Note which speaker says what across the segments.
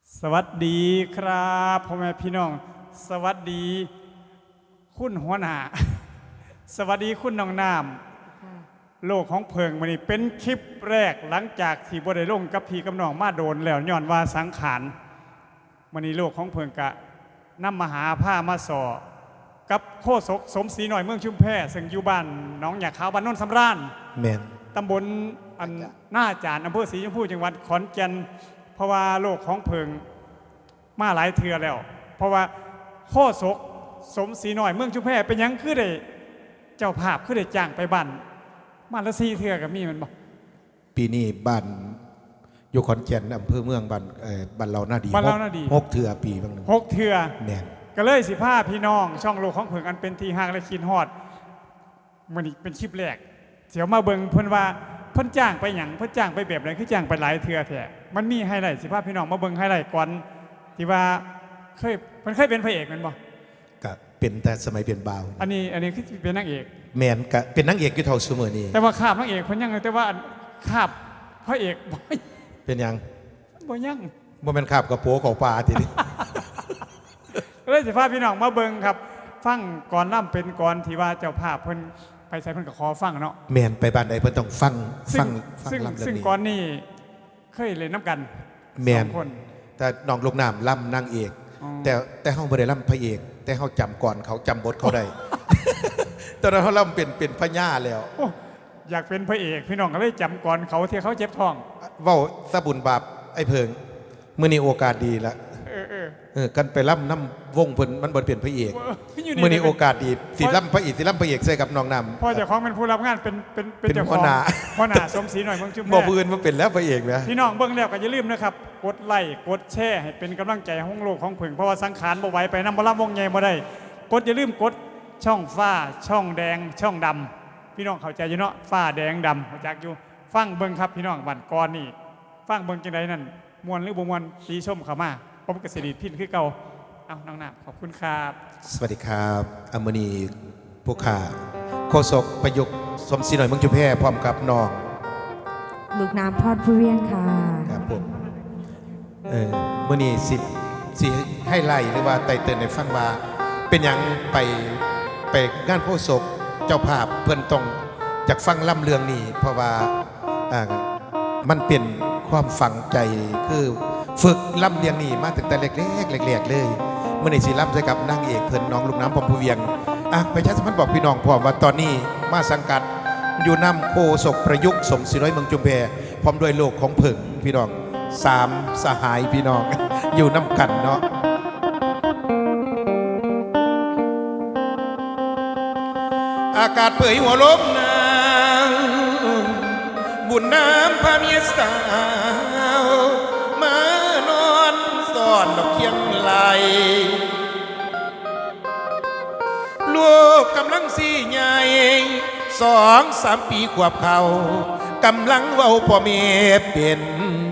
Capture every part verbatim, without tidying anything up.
Speaker 1: สวัสดีครับพ่อแม่พี่น้องสวัสดีคุณหัวหน้าสวัสดีคุณน้องน้ำโลกของเพิงมันนี่เป็นคลิปแรกหลังจากที่บ่ได้ลงกับพี่กับน้องมาโดนแล้วย้อนว่าสังขารมันนี่โลกของเพิงกะนำมหาผ้ามาสอกับโคศกสมศรีหน่อยเมืองชุมแพซึ่งอยู่บ้านน้องหยาขาวบ้านโนนสำราญ
Speaker 2: แมน
Speaker 1: ตำบลอันหน้าจานอำเภอศรีชมพูจังหวัดขอนแก่นเพราะว่าโลกของเพิงมาหลายเทือแล้วเพราะว่าโคศกสมศรีหน่อยเมืองชุมแพเป็นยังคือได้เจ้าภาพคือได้จ้างไปบ้านมาละสี่เทือกับมีมันบอก
Speaker 2: ปีนี้บ้านอยู่ขอนแก่นอำเภอเมืองบ้านเอ่อบ้านเราหน้าดี
Speaker 1: บ้านเราหน้าดี
Speaker 2: หกเถื่อปีบางหนึ่ง
Speaker 1: หกเทือ
Speaker 2: แมน
Speaker 1: ก็เลยสิผ้าพี่น้องช่องโลกของเพิงอันเป็นทีห่างและคินฮอดมันนี่เป็นคลิปแรกเสียวมาเบิงเพิ่นว่าเพิ่นจ้างไปหยังเพิ่นจ้างไปแบบไหนคือจ้างไปหลายเทือแท้มันมีไฮไลท์สิผ้าพี่น้องมาเบิงไฮไลท์ก่อนที่ว่าเคยเพิ่นเคยเป็นพระเอกแม่นบ่
Speaker 2: ก็เป็นแต่สมัยเป็นบ่าว
Speaker 1: อันนี้อันนี้คือเป็นนางเอก
Speaker 2: แมนก็เป็นนางเอกอยู่เท่าซุมื้อนี้
Speaker 1: แต่ว่าคาบนางเอกเพิ่นยังแต่ว่าคาบพระเอกบ่
Speaker 2: เป็นยัง
Speaker 1: บ่ยัง
Speaker 2: บ่แม่นคาบกระโปรงของปลาทีนี้
Speaker 1: เลยสิพาพี่น้องมาเบิ่งครับฟังก่อนล่ำเป็นก่อนที่ว่าเจ้าภาพเพิ่นไปใส่เพิ่นก็ขอฟังเนาะ
Speaker 2: แมนไปบ้านใดเพิ่นต้องฟังฟังฟังลำเรื่องนี้
Speaker 1: ซึ่งก่อนนี่เคยเล่นน้ำกัน
Speaker 2: แมน
Speaker 1: สองคน
Speaker 2: แต่น้องลูกน้ำล่ำนางเอกแต่แต่เฮาบ่ได้ล่ำพระเอกแต่เฮาจำก่อนเขาจำบทเขาได้ ตอนนั้นเฮาล่ำเป็นเป็นพญาแล้ว
Speaker 1: อยากเป็นพระเอกพี่น้องก็เลยจำก่อนเขาที่เขาเจ็บท้อง
Speaker 2: เว้าสะบุญบาปไอ้เพิงมื้อนี้โอกาสดีละ
Speaker 1: เออเออ
Speaker 2: เออกันไปล่ำน้ำวงเพิ่นมันบ่เป็นพระเอกมื้อนี้โอกาสดีสิล่ำพระเอกสิล่ำพระเอกใส่กับน้องน้ำ
Speaker 1: พ่อเจ้าของเป็นผู้รับงานเป็นเป็น
Speaker 2: เป็นเจ้าของ
Speaker 1: พ่อหน้าสมศรีหน่อยเมืองชุมแพ
Speaker 2: บ่ผู้อื่นมาเป็นแล้วพระเอกนะ
Speaker 1: พี่น้องเบิ่งแล้วก็อย่าลืมนะครับกดไลค์กดแชร์ให้เป็นกำลังใจของโลกของเพิงเพราะว่าสังขารบ่ไหวไปนำบ่ล่ำวงใหญ่บ่ได้กดอย่าลืมกดช่องฟ้าช่องแดงช่องดำพี่น้องเข้าใจอยู่เนาะฟ้าแดงดำรู้จักอยู่ฟังเบิ่งครับพี่น้องบั่นก่อนนี่ฟังเบิ่งจังไดนั่นม่วนหรือบ่ม่วนตีชมเข้ามาผมก็สิริพินคือเก่าเอาน้องน้ำขอบคุณครับ
Speaker 2: สวัสดีครับอมณีผู้ข่าโฆษกประยุกต์สมศรีหน่อยเมืองชุมแพพร้อมกับน้อง
Speaker 3: ลูกน้ำพอดผู้เวียงค่ะ
Speaker 2: ครับผมเออมื่อนี้สิสิให้ไล่หรือว่าไต่เตือนในฟังว่าเป็นอย่างไปไปงานโฆษกเจ้าภาพเพื่อนต้องจากฟังล่ำเรื่องนี้เพราะว่าอ่ามันเป็นความฝังใจคือฝึกล่ำเรียงนี่มาตั้งแต่เล็กๆเล็กๆเลยเมื่อในสีล่ำใส่กับนางเอกเพื่อนน้องลูกน้ำพรมพูเวียงอ่ะไปชัดสมันบอกพี่น้องพร้อมว่าตอนนี้มาสังกัดอยู่นำโคศกประยุกต์สมศรีน้อยเมืองจุมแพพร้อมด้วยโลกของเผิงพี่น้องสามสหายพี่น้อง อยู่น้ำกันเนาะอากาศเผยหัวลมนางบุญน้ำพาเมียสาวมานอนซ่อนดอกเคียงไหลลูกกำลังสี่ใหญ่สองสามปีขวบเขากำลังเว้าพ่อเมียเป็น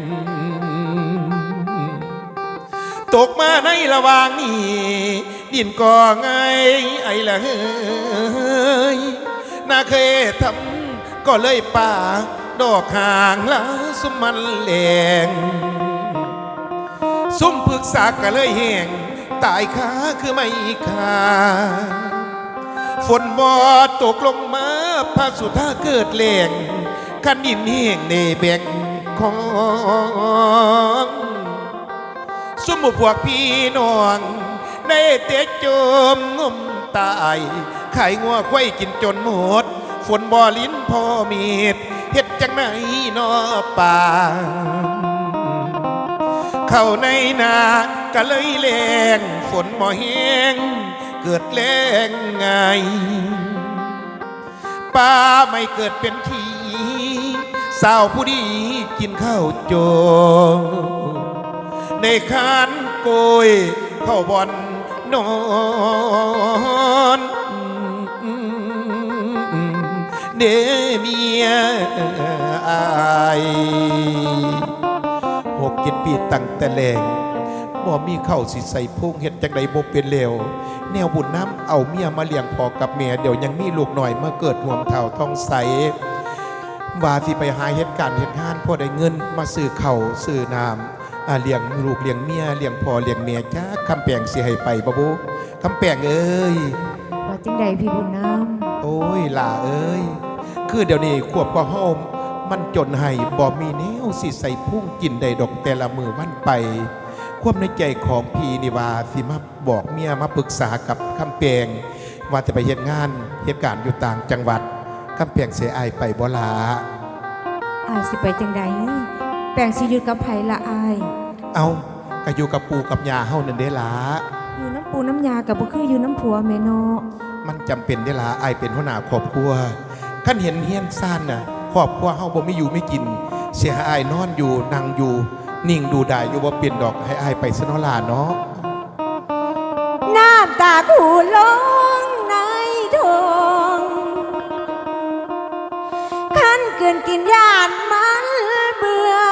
Speaker 2: ตกมาในระหว่างนี้ดินก่อไงไอ้ละเฮ้ยน่าเคยทำก็เลยป่าดอกห่างแล้วสุมมันแหลงซุ่มปรึกษาก็เลยแห้งตายขาคือไม่ขาฝนบ่ตกลงมาพาสุธาเกิดแหลงขันดินแห้งในแบ่งของซุ่มพวกพี่น้องได้เตะจมงมตายไข่งัวควายกินจนหมดฝนบ่ลิ้นพ่อมีดเฮ็ดจังไหนนอป่าเข้าในนาก็เลยแรงฝนบ่แห้งเกิดแรงไงป่าไม่เกิดเป็นทีสาวผู้ดีกินข้าวโจในคานโกยเข้าบ่อนนอนเดเมียอายหกเจ็ดปีตั้งแต่แรงบ่มีเข้าสิใส่พุงเห็ดจังใดบ่เป็นเลวแนวบุญน้ำเอาเมียมาเลี้ยงพอกับเมียเดี๋ยวยังมีลูกหน่อยเมื่อเกิดห่วงเท่าท้องใสว่าสิไปหาเหตุการณ์เหตุงานพอได้เงินมาซื้อเข่าซื้อน้ำอ่าเลี้ยงลูกเลี้ยงเมียเลี้ยงพ่อเลี้ยงเมียจ้าคำแปลงสิให้ไปบ่บุคำแปลงเอ้ย
Speaker 3: ว่าจังใดพี่บุญน้
Speaker 2: โอ้ยหล่าเอ้ยคือเดี๋ยวนี้ขวบกว่าเฮามันจนให้บ่มีแนวสิใส่พุ่งกินได้ดอกแต่ละมือวันไป ความในใจของพี่นี่ว่าสิมาบอกเมียมาปรึกษากับคำแปลงว่าจะไปเฮ็ดงานเหตุการณ์อยู่ต่างจังหวัดคำแปลงเสียอายไปบ่ลา
Speaker 3: ำอายสิไปจังใดแปลงสิอยู่กับไผละอาย
Speaker 2: เอาก็อยู่กับปู่กับย่าเฮานั่นเด้ล่ะ
Speaker 3: อยู่น้ำปูน้ำยากับบ่คืออยู่น้ำผัวแม่เนาะ
Speaker 2: มันจำเป็นเด้ล่ะอายเป็นหัวหน้าครอบครัวคันเห็นเฮียนซ่านน่ะครอบครัวเฮาบ่มีอยู่ไม่กิน เสียให้อายนอนอยู่นั่งอยู่ นิ่งดูได้อยู่บ่เปลี่ยนดอกให้อายไปซะเนาะล่ะเนาะ
Speaker 3: น้ำตาคูลงในทงคันเกินกินยานมันเบื่อ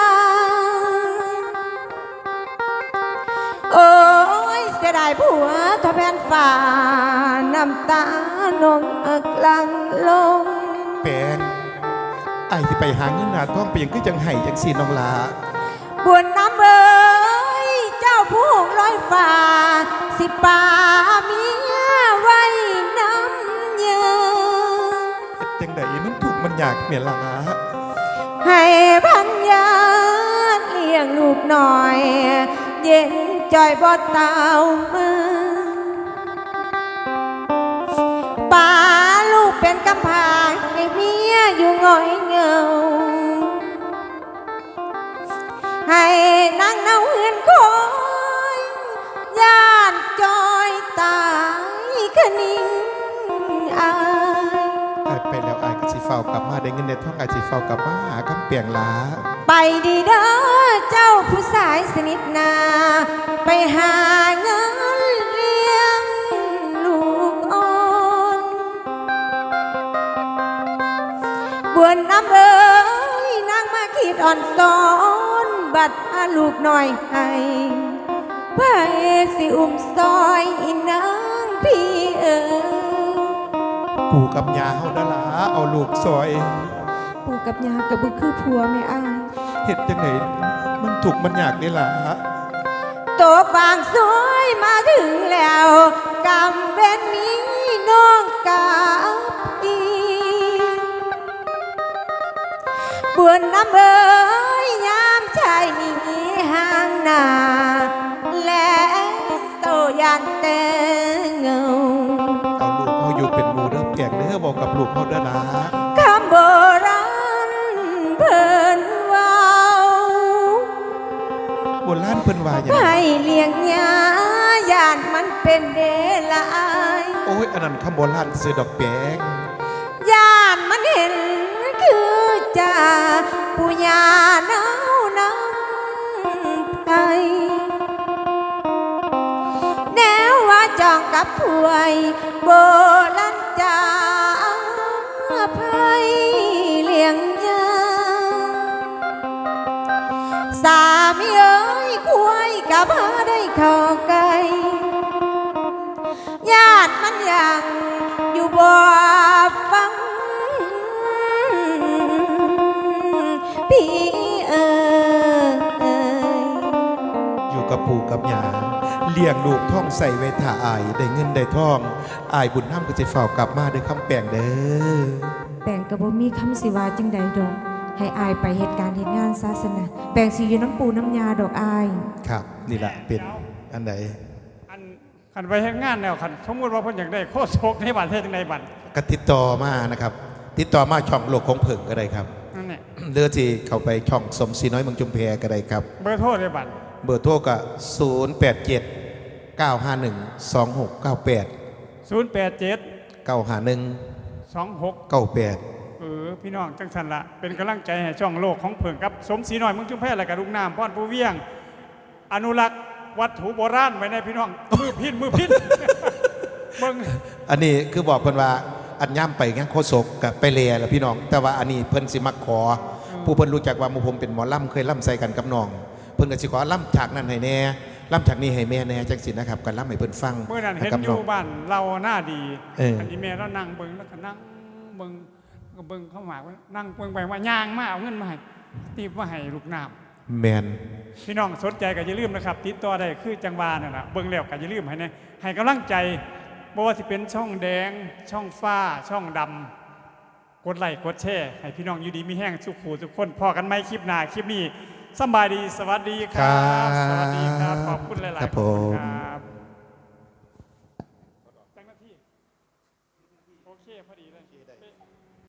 Speaker 3: โอ้ยเสียดายผัวทอแผ่นฝ่าน้ำตานองอักลังลง
Speaker 2: แปลงอายสิไปหาเงินหาทองไปหยังคือจังไห้จังซี่น้องล่ะ
Speaker 3: บวนน้ำเอ้ยเจ้าผู้หงลอยฟ้าสิป่าเมียไว้น้ำเยอ
Speaker 2: เฮ็ดจังไดมันถูกข์มันยากแม่ล่ะ
Speaker 3: ให้พันยาเลี้ยงลูกหน่อย เย็นจอยบ่เต้ามือป่าลูกเป็นกำพร้าให้เมียอยู่ง่อยเหงา ให้นั่งเนาเฮือนคอยย่านจอยตายคะนิ่งอาย
Speaker 2: อายไปแล้วอายก็สิเฝ้ากลับมาได้เงินได้ทองอายสิเฝ้ากลับมาหาคำเปียงหลา
Speaker 3: ไปดีเด้อเจ้าผู้สายสนิทนา ไปหาเงินเลี้ยงลูกอ่อนบวนน้ำเอ้ยนางมาคิดอ่อนสอนบัดอาลูกหน่อยให้ไปสิอุ้มซอยอีนางพี่เอ๋ย
Speaker 2: ปู่กับย่าเฮาดาลาเอาลูกซอย
Speaker 3: ปู่กับยากับบุคือผัวไม่อาย
Speaker 2: เฮ็ดจังไดมันถูกข์มันยากเด้ล่ะ
Speaker 3: ตัวฟางสวยมาถึงแล้วกำเป็นนี้น้องกับอีบวนน้ำเอ๋ยยามชายหนีห่างหน้าและโตยันเตเงา
Speaker 2: เอาลูกเฮาอยู่เป็นหมู่เด้อเปียกเด้อบอกกับลูกเฮาเด้อล่ะ
Speaker 3: คำโบราณเพิ่นเว้า
Speaker 2: โบราณเพิ่นว่าหยัง
Speaker 3: ให้เลี้ยงยาย่านมันเป็นเดลาย
Speaker 2: โอ้ยอันนั้นคำโบราณซื้อดอกแปง
Speaker 3: ย่านมันเห็นคือจ่าผู้ยาหนาวนำไปแนวว่าจองกับผวยโบราณจ่าภัยเลี้ยงยาสามีเอ้ยควายกับหาได้เข้าไกลญาติมันยังอยู่บ่ฟังพี่เอ๋ย
Speaker 2: อยู่กับปู่กับย่าเลี้ยงลูกท่องใส่ไว้ท่าอายได้เงินได้ทองอายบุญนำก็สิเฝ้ากลับมาด้วยคำแปลงเด้อ
Speaker 3: แปลงกระบ่มีคำสิว่าจังใดดอกให้อายไปเหตุการณ์เหตุงานศาสนาแปลงสิอยู่น้ำปูน้ำยาดอกอาย
Speaker 2: ครับนี่ล่ะเป็นอันใด
Speaker 1: อันขันไปเฮ็ดงานแล้วขันสมมติว่าเพิ่นอยากได้โคตรโชคในบัตรเทศจังไดบัตร
Speaker 2: ก็ติดต่อมานะครับ ติดต่อมาช่องโลกของเผิงก็ได้ครับ
Speaker 1: นั่นแหละ
Speaker 2: เลือที่เข้าไปช่องสมศรีน้อยเมืองจุมแพก็ได้ครับ
Speaker 1: เบอร์โทรในบัตร
Speaker 2: เบอร์โทรก็ศูนย์ แปด เจ็ด เก้า ห้า หนึ่ง สอง หก เก้า แปด
Speaker 1: ศูนย์แปดเจ็ด
Speaker 2: เก้า ห้า หนึ่ง
Speaker 1: สองหก
Speaker 2: เก้า แปด
Speaker 1: เออพี่น้องจังสันละเป็นกำลังใจให้ช่องโลกของเผิงกับสมศรีน้อยเมืองจุมแพและกับลุงน้ำพ่อนผู้เวียง อนุรักษ์วัตถุโบราณไว้ในพี่น้อง มือพินมือพิน เบิ่ง
Speaker 2: อันนี้คือบอกเพิ่นว่าอันย่ำไปงั้นโคศกกับไปเลียแล้วพี่น้อง แต่ว่าอันนี้เพิ่นสิมักขอ ผู้เพิ่นรู้จักว่าหมู่ผมเป็นหมอล่ำเคยล่ำใส่กันกับน้อง เพิ่นก็สิขอล่ำฉากนั้นให้แน่ล่ำฉากนี้ให้แม่แน่จังสินะครับกันล่ำให้เพิ่นฟัง
Speaker 1: เมื่อนั้นเห็น
Speaker 2: กับ
Speaker 1: อ
Speaker 2: น้
Speaker 1: ยู่
Speaker 2: อง
Speaker 1: บ้านเราหน้าดี
Speaker 2: เอออั
Speaker 1: อันนี้แม่เรานั่งเบิ่งแล้วก็นั่งเบิ่งก็เบิ่งเข้ามาว่านั่งเบิ่งไปว่าย่างมาเอาเงินมาให้ตีบมาให้ลูกน้
Speaker 2: แมน
Speaker 1: พี่น้องสนใจก็อย่าลืมนะครับ ติดต่อได้คือจังหวานั่นแหละเบิ่งแล้วก็อย่าลืมให้นะให้กำลังใจบ่ว่าสิเป็นช่องแดง ช่องฟ้า ช่องดำกดไลค์กดแชร์ให้พี่น้องอยู่ดีมีแห้งสุขหูทุกคนพอกันไหมคลิปหน้าคลิปนี้สำบายดีสวัสดีครับ สวัสดีครับ ขอบคุณหลายๆ
Speaker 2: ครับ
Speaker 1: ขอบคุณ
Speaker 2: ผม
Speaker 1: ครับ